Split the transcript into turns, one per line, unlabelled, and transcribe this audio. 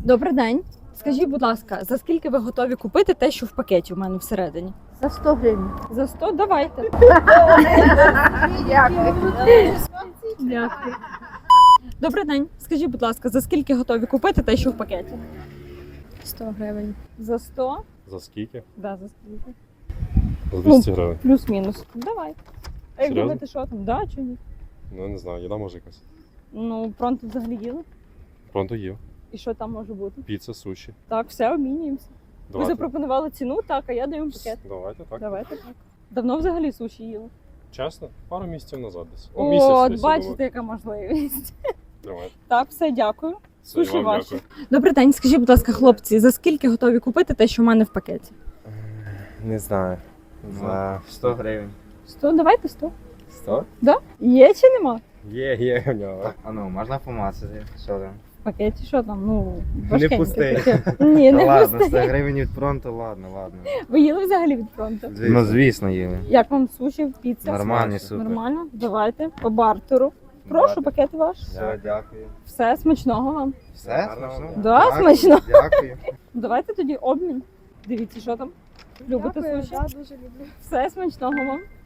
Добрий день. Скажіть, будь ласка, за скільки ви готові купити те, що в пакеті у мене всередині?
За 100 гривень.
За 100? Давайте. Дякую. Добрий день. Скажіть, будь ласка, за скільки готові купити те, що в пакеті?
100 гривень.
За 100?
За скільки?
Да, за скільки?
За 200 гривень.
Плюс-мінус. Давай. А як
Серйозно?
думаєте, що там? Да, чи ні?
Ну, не знаю, їда може якась.
Ну, пронто взагалі їли.
Пронто їв.
І що там може бути?
Піца, суші.
Так, все, обмінюємося. Ви
Давайте.
запропонували ціну, так, а я даю пакет.
Давайте, так.
Давайте так. Давно взагалі суші їли?
Чесно, пару місяців назад десь.
О,
Місяць десь
бачите,
було.
яка можливість.
Давайте.
Так, все, дякую.
Все, і
Суші
вам
ваші.
дякую.
Добрий день, скажіть, будь ласка, хлопці, за скільки готові купити те, що в мене в пакеті?
Не знаю. За 100 гривень.
100? Давайте 100.
100?
Да? Є чи нема?
Є в нього. Так, а ну, можна помацати. Що там?
В пакеті що там? Ну, важкеньке
пустий.
таке. Ні,
Та
не
ладно,
пустий.
100 гривень від фронту, ладно.
Ви їли взагалі від фронту?
Ну, звісно, їли.
Як вам суші, піца?
Нормальні, супер.
Нормально? Давайте, по бартеру. Прошу, пакет ваш.
Все, дякую.
Все, смачного вам.
Все? Смачно?
Да,
Дякую,
смачно.
Дякую.
Давайте тоді обмін. Дивіться, що там. Любите суші?
Да, дуже люблю.
Все, смачного вам.